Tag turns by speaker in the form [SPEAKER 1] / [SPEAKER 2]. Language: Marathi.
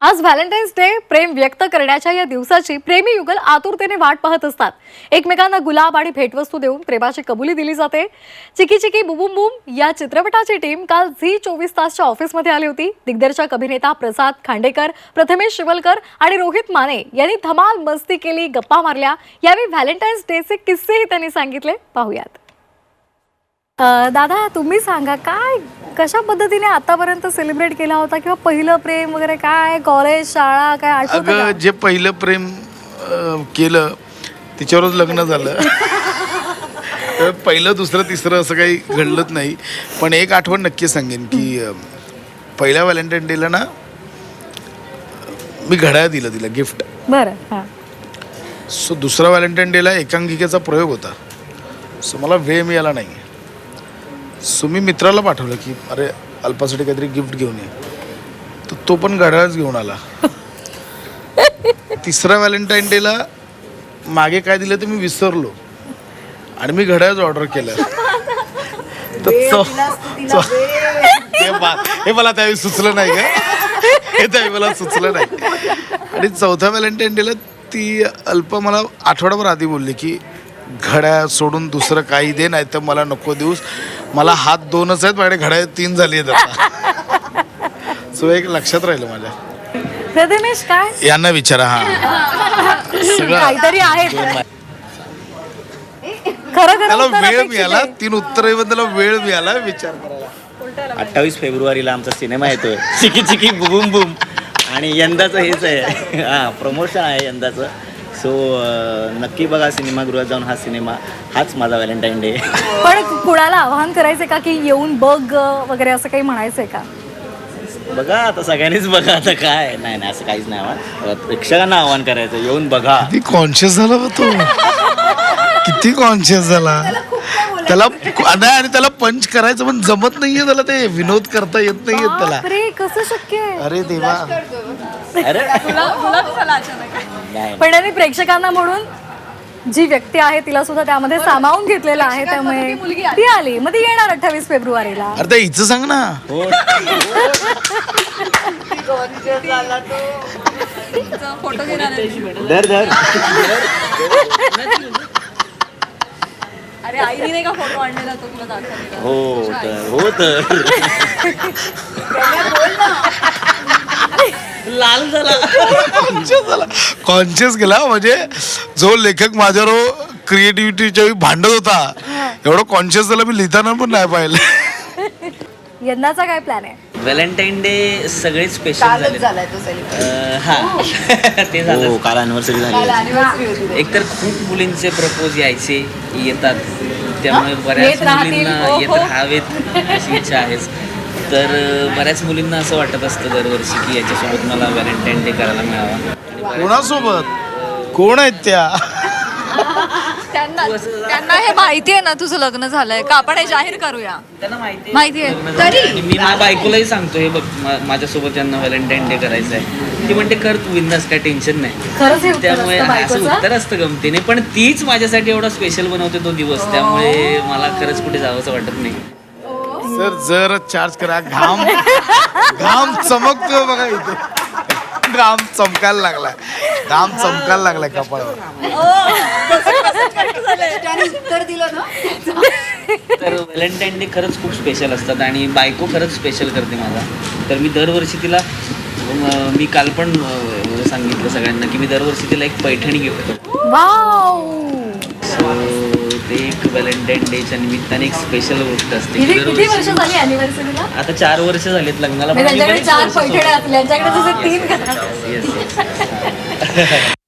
[SPEAKER 1] आज व्हॅलेंटाईन्स डे प्रेम व्यक्त करण्याच्या या दिवसाची प्रेमी युगल आतुरतेने वाट पाहत असतात. एकमेकांना गुलाब आणि भेटवस्तू देऊन प्रेमाची कबुली दिली जाते. चिकी चिकी बुबुम बूम या चित्रपटाची टीम काल झी 24 तासच्या ऑफिसमध्ये आली होती. दिग्दर्शक अभिनेता प्रसाद खांडेकर, प्रथमेश शिवलकर आणि रोहित माने यांनी धमाल मस्ती केली, गप्पा मारल्या. यावेळी व्हॅलेंटाईन्स डेचे किस्सेही त्यांनी सांगितले. पाहूयात. दादा, तुम्ही सांगा, काय कशा पद्धतीने आतापर्यंत सेलिब्रेट केला होता, किंवा पहिलं प्रेम वगैरे काय, कॉलेज, शाळा, काय आठवतं का?
[SPEAKER 2] जे पहिलं प्रेम केलं तिच्यावरच लग्न झालं. पहिलं दुसरं तिसरं असं काही घडलंच नाही. पण एक आठवण नक्की सांगेन की पहिल्या व्हॅलेंटाईन डेला ना मी घड्याळ दिलं तिला गिफ्ट.
[SPEAKER 1] बरं. हां.
[SPEAKER 2] सो दुसरा व्हॅलेंटाईन डेला एकांकिकेचा प्रयोग होता. सो मला वेळ मिळाला नाही. सो मी मित्राला पाठवलं की अरे अल्पासाठी काहीतरी गिफ्ट घेऊन ये. तर तो पण घड्याळच घेऊन आला. तिसऱ्या व्हॅलेंटाईन डेला मागे काय दिलं ते मी विसरलो आणि मी घड्याळच ऑर्डर केलं. हे मला त्यावेळी सुचलं नाही का, हे त्यावेळी मला सुचलं नाही. आणि चौथ्या व्हॅलेंटाईन डेला ती अल्प मला आठवडाभर आधी बोलली की घड्याळ सोडून दुसरं काही दे, नाही तर मला नको देऊस. मला हात 2च आहेत, माझ्या घड्याळ 3 झाली आहेत आता. सो एक लक्षात राहिलं माझ्या.
[SPEAKER 1] प्रथमेश, काय
[SPEAKER 2] यांना विचारा. हा सगळं
[SPEAKER 1] काहीतरी आहे खरं
[SPEAKER 2] त्याला वेळ मिळाला. 3 उत्तरं त्याला वेळ मिळाला विचार करायला.
[SPEAKER 3] 28 फेब्रुवारीला आमचा सिनेमा येतोय, चिकी चिकी बुबुम बूम. आणि यंदाचं हेच आहे, हां, प्रमोशन आहे यंदाचं. सो नक्की बघा सिनेमागृहात जाऊन हा सिनेमा. हाच माझा व्हॅलेंटाईन डे.
[SPEAKER 1] पण कुणाला आवाहन करायचंय का की येऊन बघ वगैरे, असं काही म्हणायचंय का?
[SPEAKER 3] बघा आता सगळ्यांनीच बघा. आता काय नाही नाही असं काहीच नाही. आव्हान प्रेक्षकांना आव्हान करायचं, येऊन बघा.
[SPEAKER 2] किती कॉन्शियस झाला बा तो, किती कॉन्शियस झाला. त्याला नाही, आणि त्याला पंच करायचं पण जमत नाहीये त्याला. ते विनोद करता येत नाहीये त्याला.
[SPEAKER 1] अरे कसं शक्य आहे?
[SPEAKER 2] अरे देवा.
[SPEAKER 3] अरे
[SPEAKER 1] पण त्यांनी प्रेक्षकांना म्हणून जी व्यक्ती आहे तिला सुद्धा त्यामध्ये सामावून घेतलेलं आहे. त्यामुळे ती आली, मग ती येणार 28 फेब्रुवारीला.
[SPEAKER 2] अरे ते हिचं सांग ना.
[SPEAKER 3] हो. धर धर.
[SPEAKER 1] अरे आईने नाही का फोटो आणलेला, तो तुला दाखवला?
[SPEAKER 3] हो तर हो तर लाल झाला.
[SPEAKER 2] कॉन्शियस गेला. म्हणजे जो लेखक माझ्यावर क्रिएटिव्हिटीच्या भांडत होता, एवढं कॉन्शियस झाला मी लिहिताना पण नाही पाहिलं.
[SPEAKER 1] यंदाचा काय प्लॅन आहे?
[SPEAKER 3] व्हॅलेंटाईन डे सगळे स्पेशल झाले. हां ते झालं. काल अॅनिव्हर्सरी झाली. एकतर खूप मुलींचे प्रपोज येतात, त्यामुळे बऱ्याच मुलींना येत राहावेत अशी इच्छा आहेच. तर बऱ्याच मुलींना असं वाटत असतं दरवर्षी की याच्यासोबत मला व्हॅलेंटाईन डे करायला मिळावा.
[SPEAKER 2] कोणासोबत? कोण आहेत त्या?
[SPEAKER 4] त्यांना हे माहिती आहे ना तुझं लग्न झालंय का? आपण हे जाहीर करूया.
[SPEAKER 3] त्यांना
[SPEAKER 4] माहिती आहे
[SPEAKER 3] तरी मी माझ्या बायकोलाही सांगतो, हे बघ माझ्यासोबत यांना व्हॅलेंटाईन डे करायचं आहे. ती म्हणते कर तू, बिंदास, काय टेन्शन नाही. त्यामुळे असं उत्तर असतं गमतीने. पण तीच माझ्यासाठी एवढा स्पेशल बनवते तो दिवस, त्यामुळे मला खरंच कुठे जावंसं वाटत नाही.
[SPEAKER 2] सर जर चार्ज करा. घाम चमकतो बघा इथे. घाम चमकायला लागलाय. घाम चमकायला लागलाय कपाळावर.
[SPEAKER 3] तर व्हॅलेंटाईन डे खरंच खूप स्पेशल असतात आणि बायको खरंच स्पेशल करते माझा. तर मी दरवर्षी तिला, मी काल पण सांगितलं सगळ्यांना की मी दरवर्षी तिला एक पैठणी गिफ्ट करतो.
[SPEAKER 1] वाव.
[SPEAKER 3] ते एक व्हॅलेंटाईन डेच्या निमित्ताने एक स्पेशल गोष्ट असते.
[SPEAKER 1] किती वर्ष झाली अॅनिव्हर्सरीला?
[SPEAKER 3] आता 4 वर्ष झालीत लग्नाला.
[SPEAKER 1] त्यांच्याकडे 4 पैठण्या असल्या, यांच्याकडे जसे 3.
[SPEAKER 3] Yes.